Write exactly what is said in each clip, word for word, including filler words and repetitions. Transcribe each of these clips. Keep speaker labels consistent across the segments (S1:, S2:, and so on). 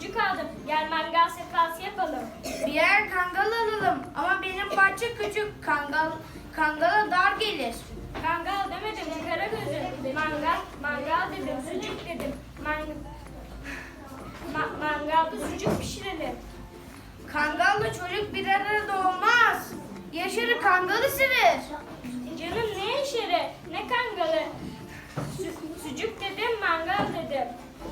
S1: sucuk aldım. Gel mangal sefası yapalım.
S2: Birer kangal alalım ama benim bahçe küçük. Kangal kangala dar gelir.
S1: Kangal demedim kara gözüm. Mangal, mangal dedim, sucuk dedim. Man Ma mangalda sucuk pişirelim.
S2: Kangalla çocuk bir arada olmaz. Yaşarı kangal ısırır.
S1: Canım ne işleri, ne kangalı? Su sucuk dedim, mangal dedim.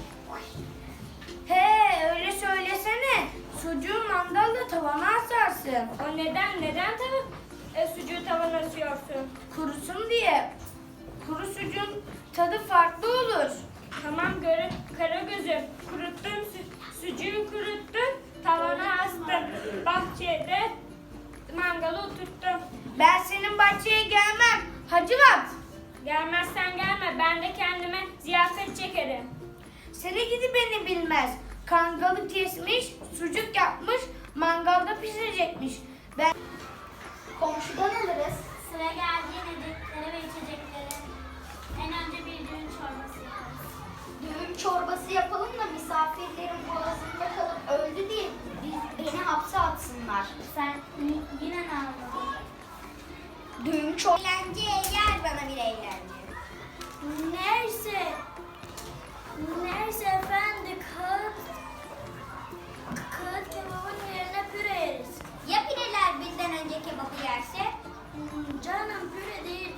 S2: He öyle söylesene. Sucuğu mandalla tavana asarsın.
S1: O neden, neden tabii e, sucuğu tavana asıyorsun?
S2: Kurusun diye. Kuru sucuğun tadı farklı olur.
S1: Tamam göre, kara gözüm. Kuruttum, su sucuğu kuruttum, tavana astım. Bahçede mangalı oturttum.
S2: Ben senin bahçeye gelmem. Hacivat.
S1: Gelmezsen gelme, ben de kendime ziyafet çekerim.
S2: Seni gidi beni bilmez. Kangalı kesmiş, sucuk yapmış, mangalda pişirecekmiş. Ben
S3: Komşudan alırız. Sıra geldiği yedikleri ve içecekleri. En önce bir düğün çorbası yaparız. Düğün çorbası yapalım da misafirlerin boğazında kalıp öldü diye biz, beni hapse atsınlar. Sen yine ne anladın? Düğün çorbası. Eğlence yer bana bir eğlence. Neyse. Neyse efendi kağıt. Kağıt kebabın yerine püre yeriz. Ya pireler bizden önce kebabı yerse? Hmm, canım püre değil.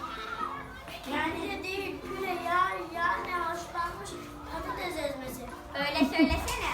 S3: Yani değil püre ya yani haşlanmış patates ezmesi. Öyle söylesene.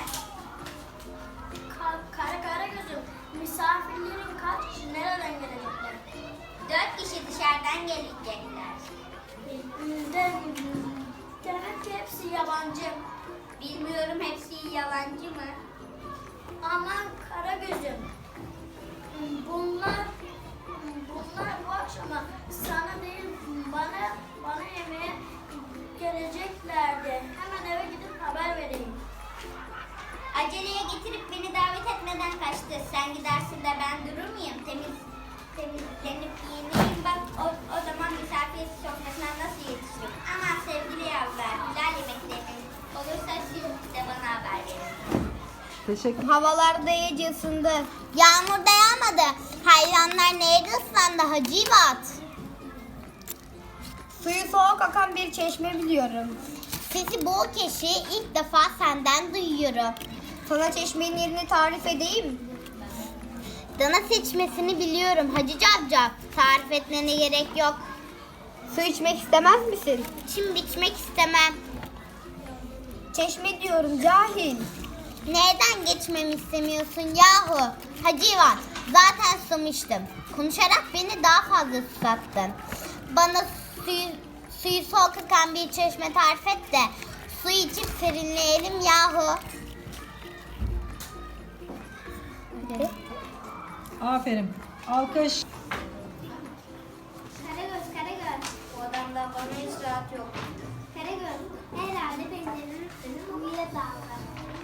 S3: Ka kara kara gözüm. Misafirlerin kaç kişi nereden gelecekler? Dört kişi dışarıdan gelecekler. De, demek ki hepsi yabancı. Bilmiyorum hepsi yalancı mı? Aman kara gözüm. Bunlar bunlar bu akşama sana değil bana bana yemeğe geleceklerdi. Hemen eve gidip haber vereyim. Aceleye getirip beni davet etmeden kaçtı. Sen gidersin de ben durur muyum? Temiz temizlenip giyineyim bak o, o zaman misafir sofrasına nasıl yetişirim? Aman sevgili yavrular, güzel yemekleriniz olursa siz de bana haber verin.
S4: Teşekkür.
S3: Havalar da iyice ısındı. Yağmur da yağmadı. Hayvanlar neydi ıslandı Hacivat?
S2: Suyu soğuk akan bir çeşme biliyorum.
S3: Sesi bol keşi ilk defa senden duyuyorum.
S2: Sana çeşmenin yerini tarif edeyim.
S3: Dana seçmesini biliyorum Hacı Cavcav. Tarif etmene gerek yok.
S2: Su içmek istemez misin?
S3: İçim biçmek istemem.
S2: Çeşme diyorum cahil.
S3: Neden geçmemi istemiyorsun yahu? Hacivat, zaten susamıştım. Konuşarak beni daha fazla susattın. Bana suyu, suyu soğuk akan bir çeşme tarif et de su içip serinleyelim yahu.
S4: Aferin. Alkış.
S3: Karagöz, Karagöz.
S2: Bu adamda bana hiç rahat yok.
S3: Karagöz, herhalde pencerenin üstünü mumuyla dağıldı.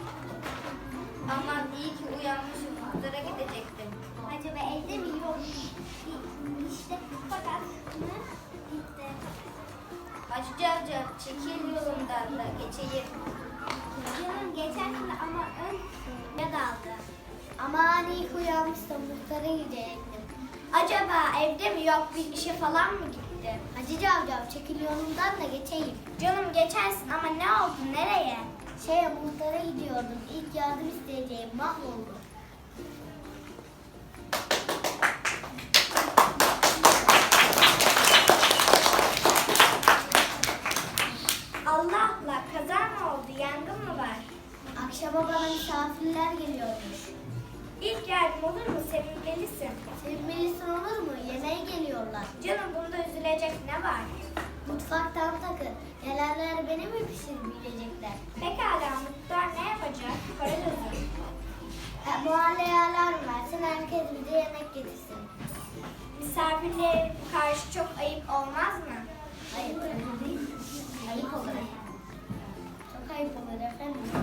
S2: Aman iyi ki uyanmışım. Pazara gidecektim.
S3: Acaba evde mi yok? İşte fakat ne? Gitti.
S2: Hacı Cavcav çekil yolumdan da geçeyim.
S3: Canım geçersin ama ön ya daldı. Aman iyi uyanmıştım muhtara gidecektim.
S2: Acaba evde mi yok bir işe falan mı gitti?
S3: Hacı Cavcav çekil yolumdan da geçeyim.
S2: Canım geçersin ama ne oldu nereye?
S3: Şeye muhtara gidiyordum. İlk yardım isteyeceğim mahvoldu.
S2: Allah Allah kaza mı oldu yangın mı var?
S3: Akşama bana misafirler geliyormuş.
S2: İlk yardım olur mu sevinmelisin.
S3: Sevmelisin olur mu? Yemeğe geliyorlar.
S2: Canım bunda üzülecek ne var?
S3: Mutfaktan takın. Nelerler beni mi pişirmeyecekler?
S2: Pekala muhtar ne yapacak? Para gözüm.
S3: E, mahalleye alarm versin. Herkes bize yemek getirsin.
S2: Misafirlere karşı çok ayıp olmaz mı?
S3: Ayıp değil. Ayıp olur efendim. Çok ayıp olur efendim.